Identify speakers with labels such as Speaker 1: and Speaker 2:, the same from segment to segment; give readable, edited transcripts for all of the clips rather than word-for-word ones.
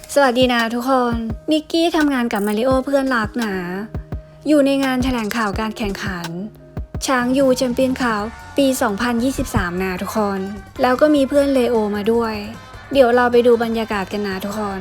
Speaker 1: สวัสดีนะทุกคน นิกกี้ทำงานกับมาริโอเพื่อนรักนะอยู่ในงานแถลงข่าวการแข่งขันช้างยูแชมเปี้ยนคัพปี 2023 นะทุกคน แล้วก็มีเพื่อนเลโอมาด้วย เดี๋ยวเราไปดูบรรยากาศกันนะทุกคน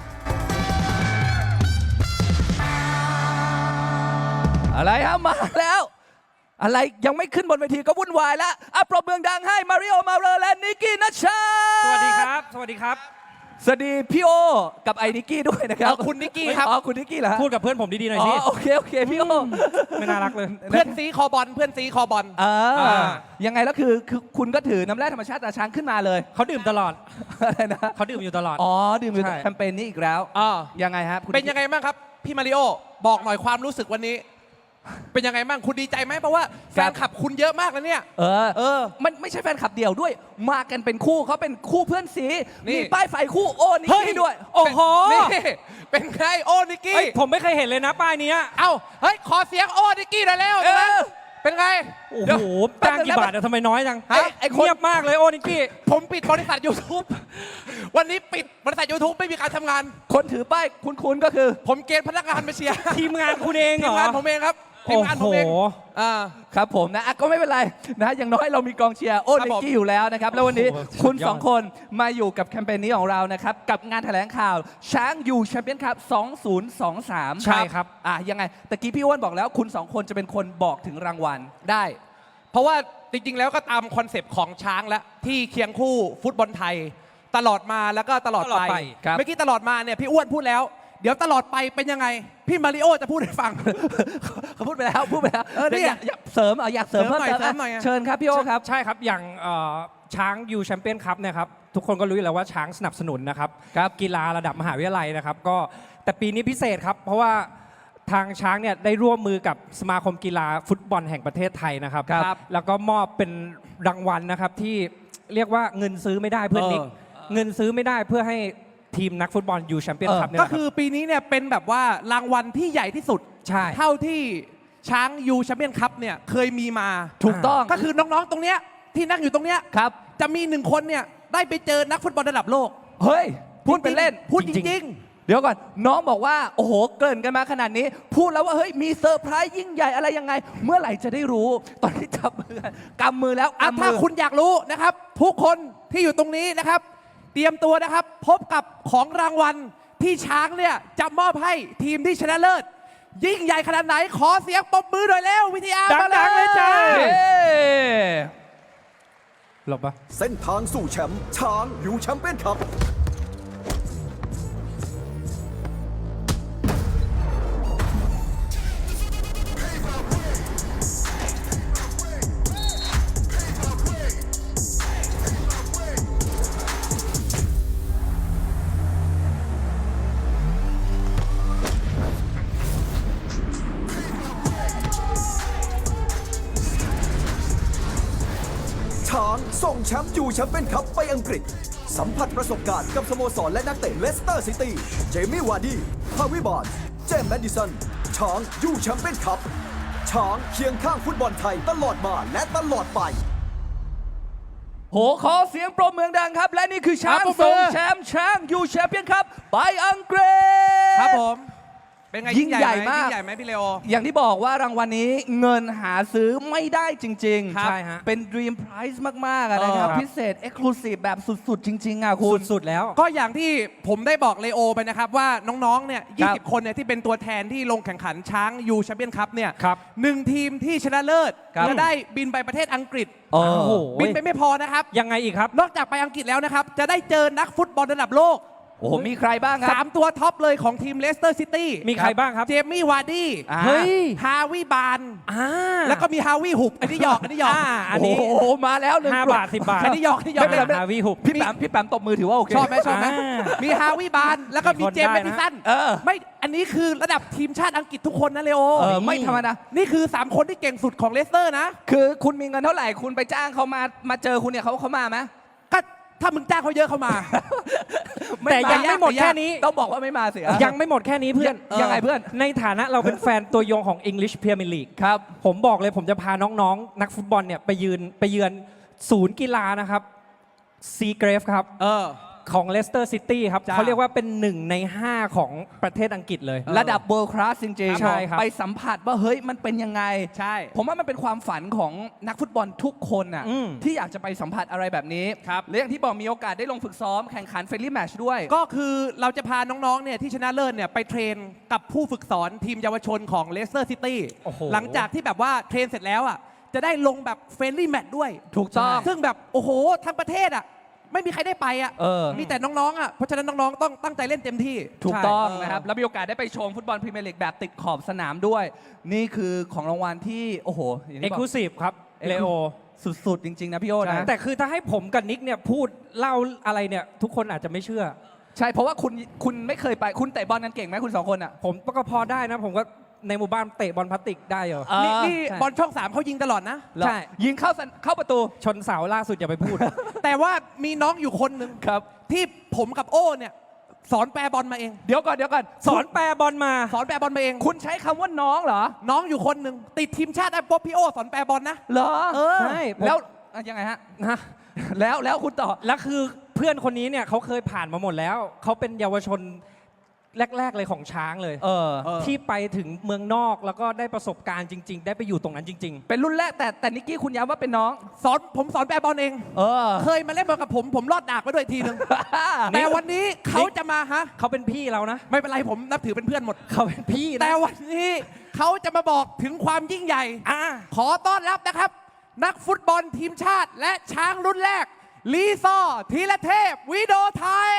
Speaker 2: อะไรครับมาแล้ว อะไรยังไม่ขึ้นบนเวทีก็วุ่นวายแล้วปรบมือดังให้มาริโอมาเรอและนิกกี้นัชชา
Speaker 3: สวัสดีครับ สวัสดีครับ
Speaker 2: สวัสดีพี่โอกับไอ้นิกกี้ด้วยนะครับ
Speaker 3: คุณนิกกี้ครับ
Speaker 2: อ๋อคุณนิกกี้เหรอฮะ
Speaker 3: พูดกับเพื่อนผมดีๆหน่อยสิ
Speaker 2: โอเคพี่โอ
Speaker 3: ไม่น่ารักเลย
Speaker 4: เพื่อนซีคอบอลเพื่อนซีคอบอล
Speaker 2: ยังไงแล้วคือคุณก็ถือน้ำแร่ธรรมชาติตาช้างขึ้นมาเลย
Speaker 3: เขาดื่มตลอด
Speaker 2: อะไรนะ
Speaker 3: เขาดื่มอยู่ตลอด
Speaker 2: ดื่มอยู่
Speaker 3: ใช่
Speaker 2: แคมเปญนี้อีกแล้วยังไงฮะคุณ
Speaker 4: เป็นยังไงบ้างครับพี่มาริโอบอกหน่อยความรู้สึกวันนี้ เป็นยังไงบ้างคุณดีใจไหมเพราะว่าแฟนคลับคุณเยอะมากแล้วเนี่ย
Speaker 2: มันไม่ใช่แฟนคลับเดี่ยวด้วย มากันเป็นคู่เขาเป็นคู่เพื่อนสี
Speaker 4: นี่
Speaker 2: มีป้ายไฟคู่โอนิกกี้ด้วย
Speaker 3: โอ้โห
Speaker 4: นี่เป็นไงโอ้นิกกี้
Speaker 3: เฮ้ยผมไม่เคยเห็นเลยนะป้ายเนี้ย
Speaker 4: เอ้าเฮ้ยขอเสียงโอ้นิกกี้หน่อยแล้ว เป็นไง
Speaker 3: โอ้
Speaker 4: เดี๋ยว
Speaker 3: โหจ้างกี่บาทอะทำไมน้อยจัง
Speaker 4: ไอ้คน
Speaker 3: เงียบมากเลยโอ้นิกกี้
Speaker 4: ผมปิดบริษัท YouTube วันนี้ปิดบริษัท YouTube ไม่มีการทำงาน
Speaker 2: คนถือป้ายคุ้นๆก็คือ
Speaker 4: ผมเกณฑ์พนักงานมาเชียร์
Speaker 3: ทีมงานคุณเองเห
Speaker 4: ที
Speaker 3: ร
Speaker 4: ม
Speaker 3: อ
Speaker 4: งานผมเองครับทีมงานผมเอง
Speaker 3: โอ้โห
Speaker 2: ครับผมนะก็ไม่เป็นไรนะอย่างน้อยเรามีกองเชียร์โอ
Speaker 4: ครับ
Speaker 2: นิ
Speaker 4: ผม
Speaker 2: กกี้อยู่แล้วนะครับ แล้ววันนี้
Speaker 3: โอ้โห
Speaker 2: คุณ
Speaker 3: สุดยอด
Speaker 2: สองคนมาอยู่กับแคมเปญนี้ของเรานะครับ กับงานแถลงข่าวช้างยูแชมเปี้ยนคัพ 2023
Speaker 3: ใช่ครับ
Speaker 2: ยังไงตะกี้พี่อ้วนบอกแล้วคุณสองคนจะเป็นคนบอกถึงรางวัล
Speaker 4: ได้ เพราะว่าจริงๆ แล้วก็ตามคอนเซปต์ของช้างแล้วที่เคียงคู่ฟุตบอลไทย ตลอดมาแล้วก็ตลอด
Speaker 3: ตลอด
Speaker 4: ไป
Speaker 3: ไป
Speaker 2: ครับ
Speaker 4: เมื่อกี้ตลอดมาเนี่ยพี่อ้วนพูดแล้ว เดี๋ยวตลอดไปเป็นยังไง พี่มาริโอจะพูดให้ฟัง
Speaker 2: เขาพูดไปแล้ว
Speaker 4: นี่
Speaker 2: อยากเสริมอยากเสริม
Speaker 4: เสริ
Speaker 2: เพิ่
Speaker 4: ม
Speaker 2: ม
Speaker 4: หน่อย
Speaker 2: เติม
Speaker 4: เสริมหน่อย
Speaker 2: เชิญครับพี่โอครับ
Speaker 3: ใช่ครับอย่างช้างยูแชมเปี้ยนคัพเนี่ยครับทุกคนก็รู้อยู่แล้วว่าช้างสนับสนุนนะครับกีฬาระดับมหาวิทยาลัยนะครับก็แต่ปีนี้พิเศษครับเพราะว่าทางช้างเนี่ยได้ร่วมมือกับสมาคมกีฬาฟุตบอลแห่งประเทศไทยนะครับ
Speaker 2: ครับ
Speaker 3: แล้วก็มอบเป็นรางวัลนะครับที่เรียกว่าเงินซื้อไม่ได้เพื่อนนิกเงินซื้อไม่ได้เพื่อให้ทีมนักฟุตบอลยูแชมเปี้ยนคัพเนี่ย
Speaker 4: ก็
Speaker 3: นะครับ
Speaker 4: คือปีนี้เนี่ยเป็นแบบว่ารางวัลที่ใหญ่ที่สุด
Speaker 3: ใช่
Speaker 4: เท่าที่ช้างยูแชมเปี้ยนคัพเนี่ยเคยมีมา
Speaker 2: ถูกต้อง
Speaker 4: ก็คือน้องๆตรงเนี้ยที่นั่งอยู่ตรงเนี้ย
Speaker 2: ครับ
Speaker 4: จะมีหนึ่งคนเนี่ยได้ไปเจอนักฟุตบอลระดับโลก
Speaker 2: เฮ้ยพูดเป็นเล่น
Speaker 4: พูดจ
Speaker 3: จริงๆ
Speaker 4: ริง
Speaker 2: เดี๋ยวก่อนน้องบอกว่าโอ้โหเกริ่นกันมาขนาดนี้ พูดแล้วว่าเฮ้ยมีเซอร์ไพรส์ยิ่งใหญ่อะไรยังไง เมื่อไหร่จะได้รู้ ตอนที่จับมือกำมือแล้ว
Speaker 4: ถ้าคุณอยากรู้นะครับทุกคนที่อยู่ตรงนี้นะครับ เตรียมตัวนะครับ พบกับของรางวัลที่ช้างเนี่ยจะมอบให้ทีมที่ชนะเลิศ ยิ่งใหญ่ขนาดไหนขอเสียงปรบมือหน่อยแล้ววิทยามา
Speaker 3: ดังๆเลยจ้า
Speaker 2: เย้
Speaker 3: หลบปะ
Speaker 5: เส้นทางสู่แชมป์ช้างยูแชมเปี้ยนคัพช้างส่งแชมป์ยูแชมเปี้ยนคัพไปอังกฤษ สัมผัสประสบการณ์กับสโมสรและนักเตะเลสเตอร์ซิตี้ เจมี่วาร์ดี้ฮาวิบาร์นส์เจมส์แมดดิสัน ช้างยูแชมเปี้ยนคัพช้างเคียงข้างฟุตบอลไทยตลอดมาและตลอดไป
Speaker 2: โหขอเสียงปรบมือดังครับ และนี่คือช้าง
Speaker 4: ครับผม
Speaker 2: ส่งแชมป์ช้างยูแชมเปี้ยนคัพไปอังกฤษ
Speaker 4: ครับผมเป็นไง
Speaker 2: ยิ่งใหญ่มาก
Speaker 4: ยิ่งใหญ่ไหมพี่เลโอ
Speaker 2: อย่างที่บอกว่ารางวัลนี้เงินหาซื้อไม่ได้จริง
Speaker 4: ครับ
Speaker 3: ใช่ฮะ
Speaker 2: เป็น Dream Prize มากๆอะนะครับ พิเศษ Exclusive แบบสุดๆ จริง ๆ อ่ะคุณ
Speaker 3: สุดๆแล้ว
Speaker 4: ก็อย่างที่ผมได้บอกเลโอไปนะครับว่าน้องๆ เนี่ย
Speaker 2: ครับ
Speaker 4: 20 คนเนี่ยที่เป็นตัวแทนที่ลงแข่งขันช้างยูแชมเปี้ยนคัพเนี่ย
Speaker 3: ครับ
Speaker 4: หนึ่งทีมที่ชนะเลิศ
Speaker 2: ครับ
Speaker 4: จะได้บินไปประเทศอังกฤษ
Speaker 2: โอ้
Speaker 3: โอ้โห
Speaker 4: บินไปไม่พอนะครับ
Speaker 3: ยังไงอีกครับ
Speaker 4: นอกจากไปอังกฤษแล้วนะครับ จะได้เจอนักฟุตบอลระดับโลก
Speaker 2: โอ้โหมีใครบ้างครับ
Speaker 4: 3 ตัวท็อปเลยของทีมเลสเตอร์ซิตี้
Speaker 3: มีใครบ้างครับ
Speaker 4: เจมี่วาร์ดี้
Speaker 2: อ่า
Speaker 3: เฮ้ย
Speaker 4: ฮาวิบาน
Speaker 3: อ่า
Speaker 4: แล้วก็มีฮาวิหุบอันนี้หยอกอันนี้หยอก
Speaker 3: อันนี้
Speaker 2: โอ้โหมาแล้วหนึ่ง
Speaker 3: 5
Speaker 2: กลุ่ม
Speaker 3: บาท 10 บาท
Speaker 4: อันนี้หยอกอันนี้หยอก
Speaker 2: ไม่เป็นไร
Speaker 3: ฮาวิหุบ
Speaker 2: พี่แปมตบมือถือว่าโอเค
Speaker 4: ชอบไหมชอบไหม
Speaker 3: อ่า
Speaker 4: มีฮาวิบานแล้วก็มี
Speaker 3: มีคน
Speaker 4: เจมส์
Speaker 3: ได้
Speaker 4: แม
Speaker 3: นะ
Speaker 4: ดดิสัน ไม่อันนี้คือระดับทีมชาติอังกฤษทุกคนนะเลโอ
Speaker 2: ไม่ธรรมดา
Speaker 4: นี่คือ 3 คนที่เก่งสุดของเลสเตอร์นะ
Speaker 2: คือคุณมีเงินเท่าไหร่คุณไปจ้างเขามาเจอคุณเนี่ยเขามาไหม
Speaker 4: ก็ถ้ามึงจ้างเขาเยอะเขามา
Speaker 3: แต่ยังไม่หมดแค่นี้
Speaker 2: ต้องบอกว่าไม่มาเสีย
Speaker 3: ยังไม่หมดแค่นี้เพื่อน
Speaker 2: ยังไงเพื่อน
Speaker 3: ในฐานะเราเป็นแฟนตัวยงของ English Premier League
Speaker 2: ครับ
Speaker 3: ผมบอกเลยผมจะพาน้องๆ นักฟุตบอลเนี่ยไปเยือนศูนย์กีฬานะครับซีเกรฟครับของเลสเตอร์ซิตี้ครับ
Speaker 4: จ้า
Speaker 3: เขาเรียกว่าเป็น1 ใน 5ของประเทศอังกฤษเลย
Speaker 2: ระดับ world class จริงๆ
Speaker 3: ใช่ครับ
Speaker 2: ไปสัมผัสว่าเฮ้ยมันเป็นยังไง
Speaker 4: ใช่
Speaker 2: ผมว่ามันเป็นความฝันของนักฟุตบอลทุกคนน่ะ
Speaker 3: อืม
Speaker 2: ที่อยากจะไปสัมผัสอะไรแบบนี้
Speaker 4: ครับ
Speaker 2: และอย่างที่บอกมีโอกาสได้ลงฝึกซ้อมแข่งขันเฟรนลี่แมชด้วย
Speaker 4: ก็คือเราจะพาน้องๆ เนี่ยที่ชนะเลิศเนี่ยไปเทรนกับผู้ฝึกสอนทีมเยาวชนของเลสเตอร์ซิตี้
Speaker 3: โอ้โห
Speaker 4: หลังจากที่แบบว่าเทรนเสร็จแล้วอ่ะจะได้ลงแบบเฟรนลี่แมตช์ด้วย
Speaker 2: ถูกต้อง
Speaker 4: ซึ่งแบบโอ้โหทั้งประเทศอ่ะไม่มีใครได้ไปอ่ะ
Speaker 2: เออ
Speaker 4: มีแต่น้องๆอ่ะเพราะฉะนั้นน้องๆต้องตั้งใจเล่นเต็มที่
Speaker 2: ถูกต้อง
Speaker 4: ใช่
Speaker 2: นะครับ แล้วมีโอกาสได้ไปชมฟุตบอลพรีเมียร์ลีกแบบติดขอบสนามด้วย นี่คือของรางวัลที่ โอ้โหอย่าง
Speaker 3: เอ็ก
Speaker 2: ที่
Speaker 3: ซ์คลู
Speaker 2: บอก
Speaker 3: ซีฟครับเลโอ
Speaker 2: สุดๆ จริง ๆ นะพี่โอ้นะ
Speaker 3: แต่คือถ้าให้ผมกับนิกเนี่ยพูดเล่าอะไรเนี่ยทุกคนอาจจะไม่เชื่อ
Speaker 2: ใช่ เพราะว่าคุณไม่เคยไป คุณเตะบอลกันเก่งไหมคุณสองคนอ่ะ
Speaker 3: ผมก็พอได้นะ ผมก็ในหมู่บ้านเตะบอลพลาสติกได้เหรอ
Speaker 4: นี่
Speaker 3: ใช่
Speaker 4: บอลช่อง 3เขายิงตลอดนะ
Speaker 2: เหรอ
Speaker 3: ใช่
Speaker 2: ยิงเข้าประตู
Speaker 3: ชนเสาล่าสุดอย่าไปพูด
Speaker 4: แต่ว่ามีน้องอยู่คนหนึ่ง
Speaker 2: ครับ
Speaker 4: ที่ผมกับโอ้เนี่ยสอนแปรบอลมาเอง
Speaker 2: เดี๋ยวก่อน
Speaker 3: สอนแปรบอลมา
Speaker 4: สอนแปรบอลมาเอง
Speaker 2: คุณใช้คำว่าน้องเหรอ
Speaker 4: น้องอยู่คนหนึ่งติดทีมชาติได้ป๊บพี่โอสอนแปรบอลนะ
Speaker 2: เหรอ
Speaker 4: เออ
Speaker 3: ใช่ผม
Speaker 2: แล้วยังไงฮะ
Speaker 3: ฮะ
Speaker 2: แล้วคุณต่อ
Speaker 3: แล้วคือเพื่อนคนนี้เนี่ยเขาเคยผ่านมาหมดแล้ว เขาเป็นเยาวชนแรก ๆ เลยของช้างเลย
Speaker 2: เออ
Speaker 3: ที่ไปถึงเมืองนอกแล้วก็ได้ประสบการณ์จริง ๆ ได้ไปอยู่ตรงนั้นจริง
Speaker 2: เป็นรุ่นแรกแต่นิกกี้คุณย้ำว่าเป็นน้อง
Speaker 4: ผมสอนแปรบอลเอง
Speaker 2: เออ
Speaker 4: เคยมาเล่นบอลกับผมรอดดากไปด้วยทีนึง แต่วันนี้เขาจะมาฮะ
Speaker 3: ๆ เขาเป็นพี่เรานะ
Speaker 4: ไม่เป็นไรผมนับถือเป็นเพื่อนหมด
Speaker 3: เขาเป็นพี่นะ
Speaker 4: แต่วันนี้เขาจะมาบอกถึงความยิ่งใหญ่
Speaker 3: อ่ะ
Speaker 4: ขอต้อนรับนะครับ นักฟุตบอลทีมชาติและช้างรุ่นแรก ลีซอร์ธีรเทพวิโดไทย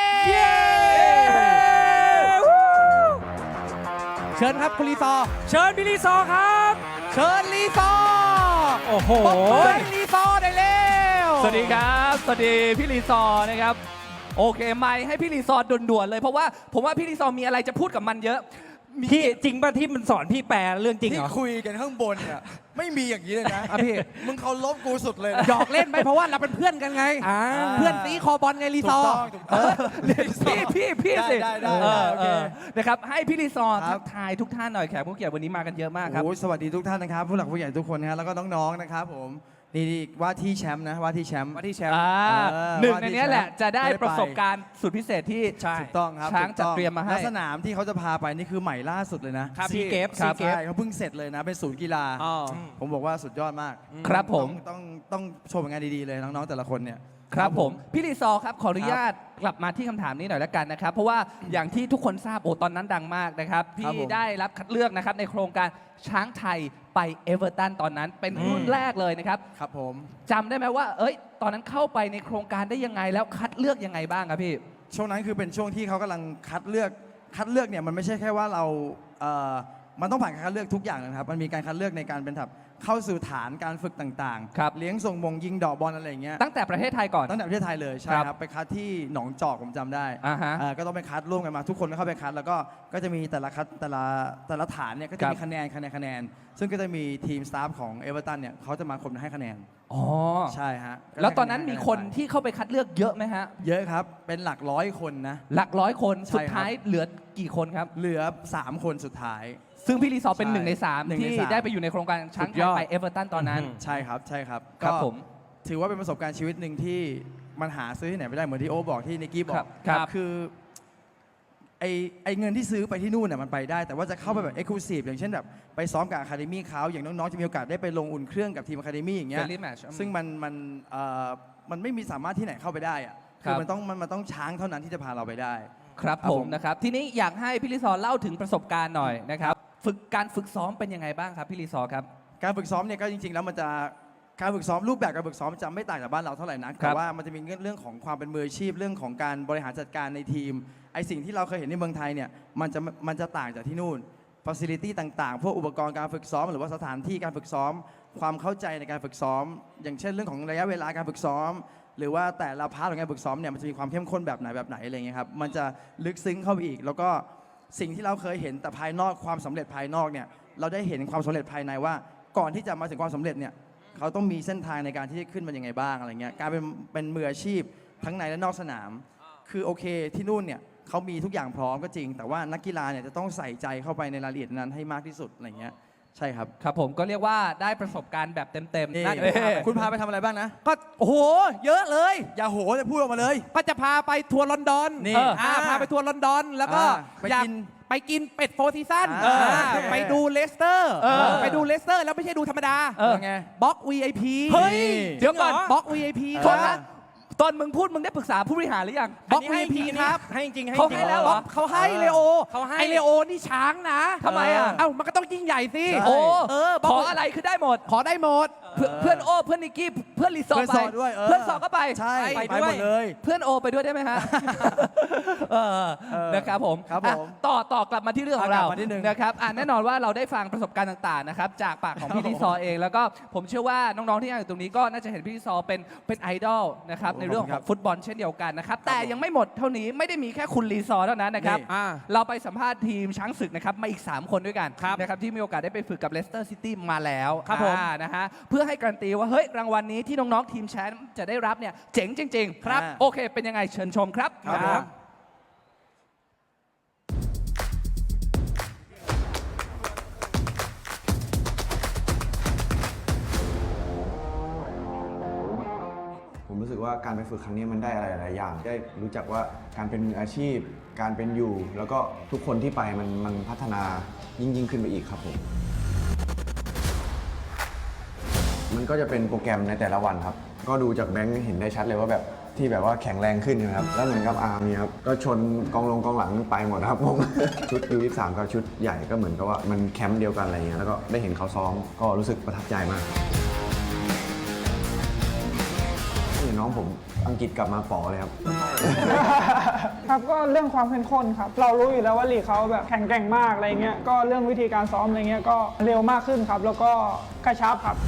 Speaker 4: เชิญครับคุณลีซอร์
Speaker 3: เชิญพี่ลีซอร์ครับ
Speaker 4: เชิญลีซอร์
Speaker 3: โอ้โห
Speaker 4: ปรบมือให้ลีซอร์ได้เร็ว
Speaker 2: สวัสดีครับ สวัสดีพี่รีซอร์นะครับ โอเคไม่ให้พี่รีซอร์ด่วนๆเลย เพราะว่าผมว่าพี่รีซอร์มีอะไรจะพูดกับมันเยอะ
Speaker 3: พี่จริงป่ะที่มันสอนพี่แปลเรื่องจริงเห
Speaker 6: ที่
Speaker 3: รอ
Speaker 6: คุยกันข้างบนอ่ะไม่มีอย่างนี้เลยนะ
Speaker 4: อ่ะพี่
Speaker 6: มึงเคารพกูสุดเลยนะ
Speaker 4: หยอกเล่นไปเพราะว่าเราเป็นเพื่อนกันไง
Speaker 3: อ่า
Speaker 4: เพื่อนตีคอบอลไงลี
Speaker 6: ถู
Speaker 4: ซ
Speaker 6: ก
Speaker 4: อร์
Speaker 6: ต้องถูกต้อง
Speaker 2: พี่สิ
Speaker 6: ได้
Speaker 2: เออ
Speaker 6: โอเค
Speaker 2: นะครับให้พี่รีซอร์
Speaker 6: ครั
Speaker 2: ทั
Speaker 6: บ
Speaker 2: กทายทุกท่านหน่อยแขกผู้เกียรติวันนี้มากันเยอะมากครับ
Speaker 6: โอ้ยสวัสดีทุกท่านนะครับ ผู้หลักผู้ใหญ่ทุกคนนะฮะแล้วก็น้องๆนะครับผมนี่ว่าที่แชมป์นะว่าที่แชมป์
Speaker 4: ว่าที่แชมป์
Speaker 2: หนึ่งในเนี้ยแหละจะได้
Speaker 6: ได้ไป
Speaker 2: ประสบการณ์สุดพิเศษที่
Speaker 3: ใช่
Speaker 6: ถูกต้องครับ
Speaker 2: ช้าง
Speaker 6: ถูก
Speaker 2: จัด
Speaker 6: ต้อง
Speaker 2: เตรียมมาให้
Speaker 6: และสนามที่เขาจะพาไปนี่คือใหม่ล่าสุดเลยนะ
Speaker 4: ครับ
Speaker 3: ซี
Speaker 4: พี่
Speaker 3: เกฟ
Speaker 6: ค
Speaker 3: ซี
Speaker 6: รับ
Speaker 3: เกฟ
Speaker 6: ใช่เขาเพิ่งเสร็จเลยนะ เป็นศูนย์กีฬา
Speaker 4: อ๋อ
Speaker 6: ผมบอกว่าสุดยอดมาก
Speaker 2: ครับผม
Speaker 6: ต้องโชว์ผลงานดีๆเลยน้องๆแต่ละคนเนี่ย
Speaker 2: ครับผมพี่รีซอร์ครับขออนุญาตกลับมาที่คำถามนี้หน่อยแล้วกันนะครับ เพราะว่าอย่างที่ทุกคนทราบโอ้ตอนนั้นดังมากนะครับ
Speaker 6: ครับ
Speaker 2: พี่
Speaker 6: ผม
Speaker 2: ได้รับคัดเลือกนะครับในโครงการช้างไทยไปเอเวอร์ตันตอนนั้นเป็นรุ่นแรกเลยนะครับ
Speaker 6: ครับผม
Speaker 2: จำได้ไหมว่า เอ้ย ตอนนั้นเข้าไปในโครงการได้ยังไงแล้วคัดเลือกยังไงบ้างครับพี่
Speaker 6: ช่วงนั้นคือเป็นช่วงที่เขากำลังคัดเลือกเนี่ยมันไม่ใช่แค่ว่าเรามันต้องผ่านการคัดเลือกทุกอย่างนะครับมันมีการคัดเลือกในการเป็นแบบเข้าสู่ฐานการฝึกต่าง
Speaker 2: ครับ
Speaker 6: เลี้ยงส่งวงยิงดอกบอลอะไรอย่างเงี้ย
Speaker 2: ตั้งแต่ประเทศไทยก่อน
Speaker 6: ตั้งแต่ประเทศไทยเลยใช่
Speaker 2: ครับ
Speaker 6: ครับไปคัดที่หนองจอกผมจำได้
Speaker 2: อ่าฮะ
Speaker 6: ก็ต้องไปคัดร่วมกันมาทุกคนก็เข้าไปคัดแล้วก็จะมีแต่ละฐานเนี่ยก็จะมีคะแนนซึ่งก็จะมีทีมสตาฟของเอเวอร์ตันเนี่ยเขาจะมาคนให้คะแนน
Speaker 2: อ๋อ
Speaker 6: ใช่ฮะ
Speaker 2: แล้วตอนนั้นมีคนที่เข้าไปคัดเลือกเยอะไหมฮะ
Speaker 6: เยอะครับเป็นหลักร้อยคนนะ
Speaker 2: หลักร้อยคน
Speaker 6: ใช่
Speaker 2: สุด
Speaker 6: ครับ
Speaker 2: ท้ายเหลือกี่คนครับ
Speaker 6: เหลือ3คนสุดท้าย
Speaker 2: ซึ่งพี่รีซอร์เป็น
Speaker 6: ใช่
Speaker 2: หนึ่งในสาม
Speaker 6: หนึ่งใน
Speaker 2: ที่
Speaker 6: สาม
Speaker 2: ได้ไปอยู่ในโครงการช้าง
Speaker 4: สุด
Speaker 2: ไท
Speaker 4: ย
Speaker 2: ย
Speaker 4: อด
Speaker 2: ไปเอเวอร์ตันตอนนั้น
Speaker 6: ใช่ครับ
Speaker 2: ครับ
Speaker 6: ก็
Speaker 2: ผม
Speaker 6: ถือว่าเป็นประสบการณ์ชีวิตหนึ่งที่มันหาซื้อที่ไหนไม่ได้เหมือนที่โอบอกที่นิกกี้บอ
Speaker 2: ครั
Speaker 6: ก
Speaker 2: บครับ
Speaker 6: คือไอเงินที่ซื้อไปที่นู่นน่ะมันไปได้ แต่ว่าจะเข้าไปแบบเอ็กซ์คลูซีฟอย่างเช่นแบบไปซ้อมกับอะคาเดมี่เขาอย่างน้องๆจะมีโอกาสได้ไปลงอุ่นเครื่องกับทีมอะคาเดมี่อย่างเงี้ย
Speaker 2: Friendly match
Speaker 6: ซึ่งมันไม่มีสามารถที่ไหนเข้าไปได้อะ
Speaker 2: ครั
Speaker 6: คือบ มันต้องช้างเท่านั้นที่จะพาเราไปได้
Speaker 2: ครับ
Speaker 6: ครับ
Speaker 2: ผ
Speaker 6: ผม ม
Speaker 2: นะครับ ทีนี้อยากให้พี่รีซอร์เล่าถึงประสบการณ์หน่อยนะครับการฝึกซ้อมเป็นยังไงบ้างครับพี่รีซอร์ครับ
Speaker 6: การฝึกซ้อมเนี่ยก็จริงๆแล้วมันจะการฝึกซ้อมรูปแบบการฝึกซ้อมจะไม่ต่างจากบ้านเราเท่าไหร่นัก
Speaker 2: ครั
Speaker 6: แต่
Speaker 2: บ
Speaker 6: ว่ามันจะมีเรื่องของความเป็นมืออาชีพเรื่องของการบริหารจัดการในทีมไอสิ่งที่เราเคยเห็นในเมืองไทยเนี่ยมันจะต่างจากที่นู่นฟ a ซิลิตี้ต่างๆ พวกอุปกรณ์การฝึกซ้อม หรือว่าสถานที่การฝึกซ้อม ความเข้าใจในการฝึกซ้อม อย่างเช่นเรื่องของระยะเวลาการฝึกซ้อม หรือว่าแต่ละพาร์ทของการฝึกซ้อมเนี่ยมันจะมีความเข้มข้นแบบไหนอะไรเงี้ยครับมันจะลึกซึ้งเข้าไปอีก แล้วก็สิ่งที่เราเคยเห็นแต่ภายนอกความสำเร็จภายนอกเนี่ยเราได้เห็นความสำเร็จภายในว่าก่อนที่จะมาถึงความสำเร็จเนี่ยเขาต้องมีเส้นทางในการที่จะขึ้นมายังไงบ้างอะไรเงี้ยการเป็นมืออาชีพทั้งในและนอกสนาม คือโอเคที่นู่นเนี่ยเขามีทุกอย่างพร้อมก็จริง แต่ว่านักกีฬาเนี่ยจะต้องใส่ใจเข้าไปในรายละเอียดนั้นให้มากที่สุดอะไรเงี้ยใช่ครับ
Speaker 2: ครับผมก็เรียกว่าได้ประสบการณ์แบบเต็ม
Speaker 6: นี่
Speaker 2: ๆนั่น
Speaker 6: คุณพาไปทำอะไรบ้างนะ
Speaker 4: ก็โอ้โหเยอะเลย
Speaker 6: อย่าโหจะพูดออกมาเลย
Speaker 4: ก็จะพาไปทัวร์ลอนดอน
Speaker 6: นี่
Speaker 4: พาไปทัวร์ลอนดอนแล้วก็
Speaker 6: ไป
Speaker 4: อยาก
Speaker 6: กิน
Speaker 4: ไปกินเป็ดโฟร์ซีซั่น
Speaker 6: โอเค
Speaker 4: ไปดูเลสเตอร์
Speaker 2: เออ
Speaker 4: ไปดูเลสเตอร์แล้วไม่ใช่ดูธรรมดา
Speaker 6: ไง
Speaker 4: บล็อก VIP
Speaker 2: เฮ้ย
Speaker 6: นี่
Speaker 2: เดี๋ยวก่อน
Speaker 4: บล็อก VIP
Speaker 2: โทษ
Speaker 4: ครั
Speaker 2: นะ
Speaker 4: บ
Speaker 2: ตอนมึงพูดมึงได้ปรึกษาผู้บริหารหรือยัง
Speaker 4: บล็อก
Speaker 3: นนี้ให้
Speaker 4: VIP
Speaker 3: จริง
Speaker 4: ครับ
Speaker 3: ให้จริงให้
Speaker 2: เขา
Speaker 3: จริง
Speaker 2: ให้แล้วเหรอ
Speaker 4: เขาให้เลโอ
Speaker 3: เขาให้
Speaker 4: ไอเลโอนี่ช้างนะ
Speaker 2: ทำไมอ่ะ
Speaker 4: เอ้ามันก็ต้องยิ่งใหญ่สิ
Speaker 6: ใช่
Speaker 2: โอ้
Speaker 4: บล็อก
Speaker 2: ขออะไรคือได้หมด
Speaker 4: ขอได้หมด
Speaker 2: เพื่อนโอเพื่อนนิกกี้เพื่อนรีสอร์ท
Speaker 6: เพื่อน
Speaker 2: ไป
Speaker 6: สอดด้วย
Speaker 2: เพื่อนสอดก็ไป
Speaker 6: ใช่
Speaker 2: ไป
Speaker 6: ไป
Speaker 2: ด้
Speaker 6: ห
Speaker 2: ว
Speaker 6: ม
Speaker 2: ย
Speaker 6: ดเลย
Speaker 2: เพื่อนโอไปด้วยได้ไหมฮะ นะครับผม
Speaker 6: ครับผม
Speaker 2: อ่ะต่อกลับมาที่เรื่องของ
Speaker 6: กลั
Speaker 2: เรา
Speaker 6: บมานิดนึง
Speaker 2: นะครับแน่นอนว่าเราได้ฟังประสบการณ์ต่างๆนะครับจากปากของพี่ลิซอเอง แล้วก็ผมเชื่อว่าน้องๆที่นั่งอยู่ตรงนี้ก็น่าจะเห็นพี่ลิซอเป็นไอดอลนะครับในเรื่องของฟุตบอลเช่นเดียวกันนะครับแต่ยังไม่หมดเท่านี้ไม่ได้มีแค่คุณลีซอเท่านั้นนะครับ
Speaker 4: อ่า
Speaker 2: เราไปสัมภาษณ์ทีมช้างศึกนะครับมาอีก 3 คนด้วยกันนะครับที่มีโอกาสได้ไปฝึกกับเลสเตอร์ซิตี้มาแล้ว
Speaker 4: ครับผม
Speaker 2: นะฮะเพื่อให้การันตีว่าเฮ้ยรางวัลนี้ที่น้องๆทีมแชมป์จะได้รับเนี่ยเจ๋งจริงๆ
Speaker 6: ครับ
Speaker 2: โอเคเป็นยังไงเชิญชมครับ
Speaker 6: ครับผม
Speaker 7: ผมรู้สึกว่าการไปฝึกครั้งนี้มันได้อะไรหลายอย่าง ได้รู้จักว่าการเป็นมืออาชีพ การเป็นอยู่ แล้วก็ทุกคนที่ไปมันพัฒนายิ่งขึ้นไปอีกครับผม มันก็จะเป็นโปรแกรมในแต่ละวันครับ ก็ดูจากแบงค์เห็นได้ชัดเลยว่าแบบที่แบบว่าแข็งแรงขึ้นนะครับ แล้วเหมือนกับอาร์มเนี่ยครับ ก็ชนกองหลังไปหมดครับผม ชุดU23กับชุดใหญ่ก็เหมือนกับว่ามันแคมป์เดียวกันอะไรเงี้ย แล้วก็ได้เห็นเขาซ้อม ก็รู้สึกประทับใจมาก น้องผมอังกฤษกลับมาป๋อเลยครับ
Speaker 8: ครับก็เรื่องความเข้มข้นครับ เรารู้อยู่แล้วว่าลีกเขาแบบแข็งแกร่งมากอะไรเงี้ยก็เรื่องวิธีการซ้อมอะไรเงี้ยก็เร็วมากขึ้นครับ แล้วก็กระชับครับ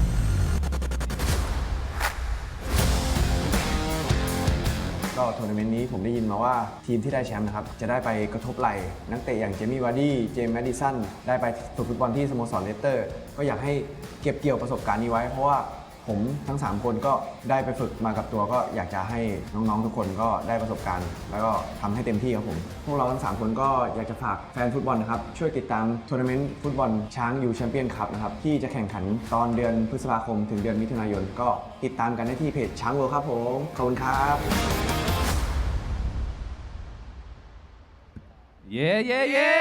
Speaker 7: ก็ทัวร์นาเมนต์นี้ผมได้ยินมาว่าทีมที่ได้แชมป์นะครับจะได้ไปกระทบไหล่นักเตะอย่างเจมี่วาร์ดี้เจมส์แมดดิสันได้ไปฝึกฟุตบอลที่สโมสรเลสเตอร์ ก็อยากให้เก็บเกี่ยวประสบการณ์นี้ไว้ เพราะว่าผมทั้ง 3 คนก็ได้ไปฝึกมากับตัวก็อยากจะให้น้องๆทุกคนก็ได้ประสบการณ์ แล้วก็ทำให้เต็มที่ครับผมพวกเราทั้ง 3 คนก็อยากจะฝากแฟนฟุตบอลนะครับช่วยติดตามทัวร์นาเมนต์ฟุตบอลช้างยูแชมเปี้ยนคัพนะครับที่จะแข่งขันตอนเดือนพฤษภาคมถึงเดือนมิถุนายนก็ติดตามกันได้ที่เพจช้างเวิลด์ครับผมขอบคุณครับ
Speaker 2: เย้เย้เย้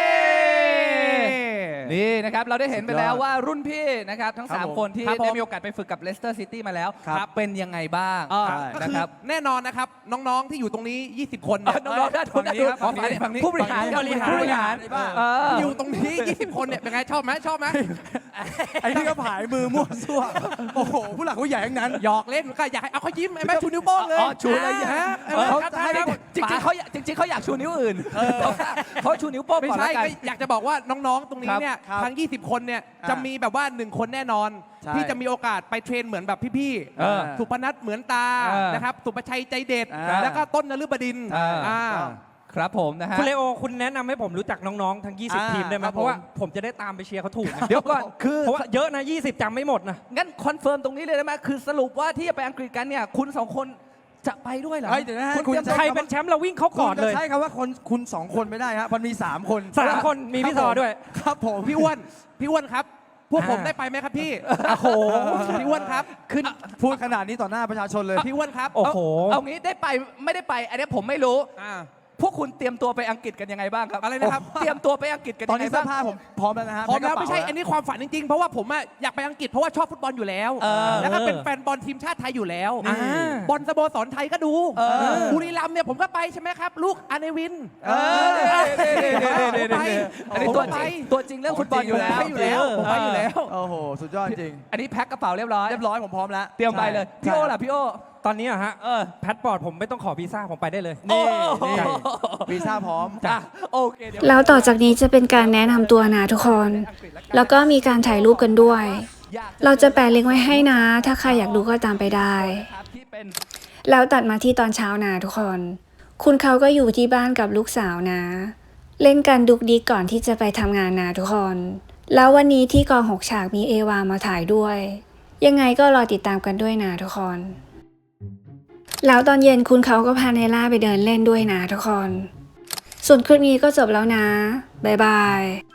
Speaker 2: นี่นะครับเราได้เห็นไปแล้วว่ารุ่นพี่นะครับทั้ง
Speaker 6: ครับผม
Speaker 2: 3 คนที่
Speaker 4: ครับผม
Speaker 2: ได้มีโอกาสไปฝึกกับเลสเตอร์ซิตี้มาแล้ว
Speaker 6: ครับ
Speaker 2: เป็นยังไงบ้าง
Speaker 4: ก็
Speaker 2: นะ
Speaker 4: คือ
Speaker 2: ครับ
Speaker 4: แน่นอนนะครับ น้องๆที่อยู่ตรงนี้ 20 คนเนี่ย
Speaker 2: น้องๆด้านทุน
Speaker 6: ฝั่งนี้ครับ
Speaker 2: ฝั่งนี้
Speaker 6: ฝั่งนี้
Speaker 2: ผู้บริหาร
Speaker 6: ฝั่งนี้
Speaker 2: ผู้บริหาร
Speaker 6: บ้า
Speaker 4: อยู่ตรงนี้ 20 คนเนี่ยเป็นไงชอบไหมชอบไหม
Speaker 6: ไอ้นี่ก็ผายมือมั่วซั่วโอ้โห ผู้หลักผู้ใหญ่ทั้งนั้น
Speaker 4: หยอกเล่นก็อยากให้เอาเขายิ้มไอ้แม่ชูนิ้วโป้งเลย
Speaker 2: อ๋อชูเลย
Speaker 4: ฮะ
Speaker 2: เขา
Speaker 4: ใช่ครับ
Speaker 2: จริงๆเขาอยากจริงๆเขาอยากชูนิ้วอื่นเขาชูนิ้วโป้ง
Speaker 4: ไม่
Speaker 2: ก่อน
Speaker 4: ใช่
Speaker 2: แล้วกัน
Speaker 4: ก็อยากจะบอกว่าน้องๆ ตรงนี้เนี่ย
Speaker 6: ครับ
Speaker 4: ทั้ง 20 คนเนี่ย
Speaker 6: อ่า
Speaker 4: จะมีแบบว่า 1 คนแน่นอน
Speaker 6: ใช่
Speaker 4: ที่จะมีโอกาสไปเทรนเหมือนแบบพี่
Speaker 2: เออ
Speaker 4: สุพนัทเหมือนตา
Speaker 2: เออ
Speaker 4: นะครับสุประชัยใจเด็ด
Speaker 6: อ่า
Speaker 4: แล้วก็ต้นนฤบดินทร์
Speaker 2: อ่า ครับผมนะฮะ
Speaker 3: คุณเลโอคุณแนะนำให้ผมรู้จักน้องๆทั้ง 20 ทีมได้ไหม
Speaker 6: ครับ
Speaker 3: เพราะว่า
Speaker 6: ผม
Speaker 3: ผมจะได้ตามไปเชียร์เขาถูกนะ
Speaker 2: เดี๋ยวก่อนคือ
Speaker 3: เพราะว่าเยอะนะ 20จำไม่หมดนะ
Speaker 2: งั้นคอนเฟิร์มตรงนี้เลยได้ไหมคือสรุปว่าที่จะไปอังกฤษกันเนี่ยคุณ 2 คนจะไปด้วยเหรอ
Speaker 6: เฮ้ยเดี๋ยวนะฮะ
Speaker 2: คุณ
Speaker 6: คุณ
Speaker 2: เตรียม
Speaker 6: จะ
Speaker 3: ใครเป็นแชมป์เราวิ่งเขาก่อนเลย
Speaker 6: คุณจะใช้คำว่าคุณ2 คนไม่ได้ฮะมันมี 3 คน
Speaker 3: 3 คนมีพี่ซอด้วย
Speaker 6: ครับผม
Speaker 4: พี่อ้วนครับ พวกผมได้ไปไหมครับพี่
Speaker 3: โอ้โห
Speaker 4: พี่อ้วนครับ
Speaker 6: ขึ้นพูดขนาดนี้ต่อหน้าประชาชนเลย
Speaker 4: พี่อ้วนครับ
Speaker 3: โอ้โห
Speaker 2: เอางี้ได้ไปไม่ได้ไป อันนี้ผมไม่รู้
Speaker 4: อ่า
Speaker 2: พวกคุณเตรียมตัวไปอังกฤษกันยังไงบ้างครับ
Speaker 4: อะไรนะครับ
Speaker 2: เตรียมตัวไปอังกฤษกัน
Speaker 6: ตอ
Speaker 2: ยั
Speaker 6: น
Speaker 2: งไง
Speaker 6: นี้เสื้
Speaker 2: บ้า
Speaker 6: อง ผ้าผมพร้อมแล้วนะฮะ
Speaker 4: พร้อมแล้ว
Speaker 6: พ็คกระ
Speaker 4: ไม่
Speaker 6: เป๋า
Speaker 4: ใช่อันนี้ความฝันจริงๆ เพราะว่าผมอะอยากไปอังกฤษเพราะว่าชอบฟุตบอลอยู่แล้ว แล้วก็เป็นแฟนบอลทีมชาติไทยอยู่แล้ว
Speaker 3: อ่า
Speaker 4: บอลสโมสรไทยก็ดูบุรีรัมย์เนี่ยผมก็ไปใช่ไหมครับ ลูกอาเนวิน ผมไป
Speaker 2: อันนี้ตัวจริงตัวจริงเรื่องฟุตบอลอยู่แล้ว
Speaker 4: ผมไปอยู่แล้ว
Speaker 6: โอ้โห สุดยอดจริง
Speaker 2: อันนี้แพ็คกระเป๋าเรียบร้อย
Speaker 6: เรียบร้อยผมพร้อมแล้ว
Speaker 2: เตรียมไปเลย พี่โอล่ะพี่โอ
Speaker 3: ตอนนี้อะฮะแพสปอร์ตผมไม่ต้องขอวีซ่าผมไปได้เลย
Speaker 6: นี่
Speaker 2: โอ้
Speaker 6: นี่
Speaker 2: โห
Speaker 6: วีซ่าพร้อม
Speaker 2: จ้ะโอเคเดี๋ยว
Speaker 1: แล้วต่อจากนี้จะเป็นการแนะนำตัวนะทุกคน แล้วก็มีการถ่ายรูปกันด้วย เราจะแปะลิงก์ไว้ให้นะ ถ้าใครอยากดูก็ตามไปได้
Speaker 2: ครับที่เป็น
Speaker 1: แล้วตัดมาที่ตอนเช้านะทุกคน คุณเขาก็อยู่ที่บ้านกับลูกสาวนะ เล่นกันดุกดิกก่อนที่จะไปทำงานนะทุกคน แล้ววันนี้ที่กอง6 ฉากมีเอวามาถ่ายด้วย ยังไงก็รอติดตามกันด้วยนะทุกคน แล้วตอนเย็นคุณเขาก็พาเนล่าไปเดินเล่นด้วยนะทุกคน ส่วนคลิปนี้ก็จบแล้วนะ บ๊ายบาย